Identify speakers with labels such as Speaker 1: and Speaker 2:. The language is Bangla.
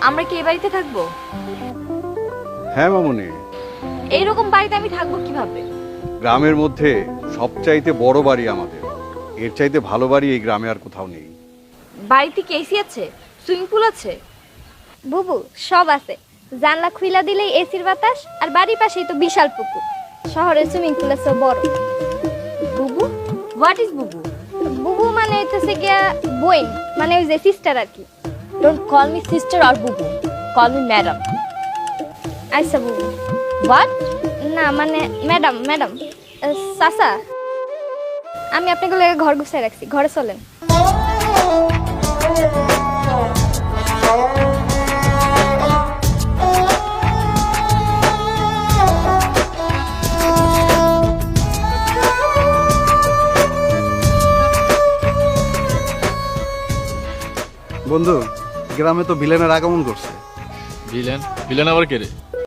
Speaker 1: আমরা কি এই বাড়িতে থাকবো?
Speaker 2: হ্যাঁ মামুনি,
Speaker 1: এইরকম বাড়িতে আমি থাকবো কিভাবে?
Speaker 2: গ্রামের মধ্যে সবচাইতে বড় বাড়ি আমাদের। এর চাইতে ভালো বাড়ি এই গ্রামে আর কোথাও নেই।
Speaker 1: বাড়িতে কি এসি আছে? সুইমিং পুল আছে?
Speaker 3: বুবু সব আছে, জানলা খুইলা দিলেই এসির বাতাস, আর বাড়ির পাশেই তো বিশাল পুকুর। শহরের সুইমিং পুল আছে বড়।
Speaker 1: বুবু? হোয়াট ইজ বুবু?
Speaker 3: বুবু মানে হইতেছে গিয়া বোন, মানে ওই যে সিস্টার আর কি।
Speaker 1: Don't call me sister or বুবু, কল মি ম্যাডাম।
Speaker 3: আচ্ছা বুবু।
Speaker 1: হোয়াট?
Speaker 3: না মানে ম্যাডাম ম্যাডাম। চাচা, আমি আপনাকে লেগে ঘর গুছাই রাখছি, ঘরে চলেন।
Speaker 4: বন্ধু, গ্রামে তো ভিলেনের আগমন করছে।
Speaker 5: ভিলেন? ভিলেন আবার কে রে?